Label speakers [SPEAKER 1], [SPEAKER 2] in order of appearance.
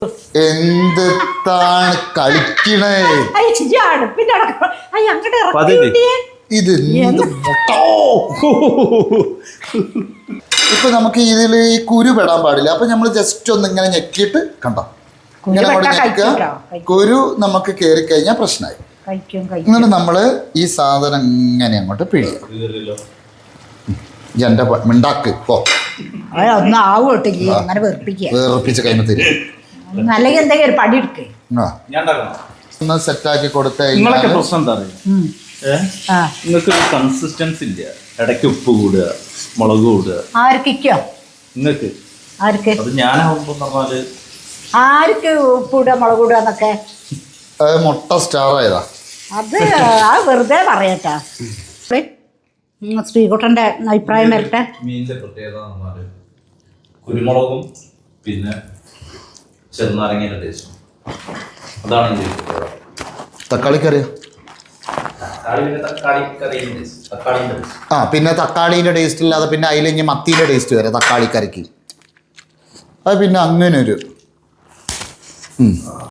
[SPEAKER 1] എന്താണ് കളിക്കണേ? ഇത് ഇപ്പൊ നമുക്ക് ഇതിൽ ഈ കുരു പെടാൻ പാടില്ല. അപ്പൊ നമ്മൾ ജസ്റ്റ് ഒന്ന് ഇങ്ങനെ ഞെക്കിയിട്ട് കണ്ടോ, ഇങ്ങനെ അങ്ങോട്ട് ഞെക്കുക. കുരു നമുക്ക് കയറി കഴിഞ്ഞാൽ പ്രശ്നമായി. എന്നിട്ട് നമ്മള് ഈ സാധനം ഇങ്ങനെ അങ്ങോട്ട് പിഴിയാം. എന്റെ മിണ്ടാക്ക് പോ, വേർപ്പിച്ച് കൈമ തരും. ഒന്ന് സെറ്റാക്കി കൊടുത്ത്
[SPEAKER 2] നിങ്ങൾക്ക് കൺസിസ്റ്റൻസി ഇല്ല. ഇടയ്ക്ക് ഉപ്പ് കൂടുക, മുളക് കൂടുക. നിങ്ങൾക്ക് അത് ഞാനാവുമ്പോ പറഞ്ഞാല്
[SPEAKER 3] ആർക്ക് ഉപ്പിടുക മുളക് കൂടുക എന്നൊക്കെ
[SPEAKER 1] മുട്ട സ്റ്റാർ ആയതാ.
[SPEAKER 3] അത് വെറുതെ പറയട്ടാ. ശ്രീകുട്ടന്റെ അഭിപ്രായം വരട്ടെ.
[SPEAKER 2] മീനിന്റെ പ്രത്യേകത കുരുമുളകും പിന്നെ ചെറുനാരങ്ങയുടെ ടേസ്റ്റും. അതാണ്
[SPEAKER 1] തക്കാളിക്കറിയോ? ആ പിന്നെ തക്കാളിന്റെ ടേസ്റ്റ് ഇല്ലാതെ പിന്നെ അതിലിഞ്ഞ് മത്തിയുടെ ടേസ്റ്റ് വരെ തക്കാളിക്കറിക്ക്. അത് പിന്നെ അങ്ങനെ ഒരു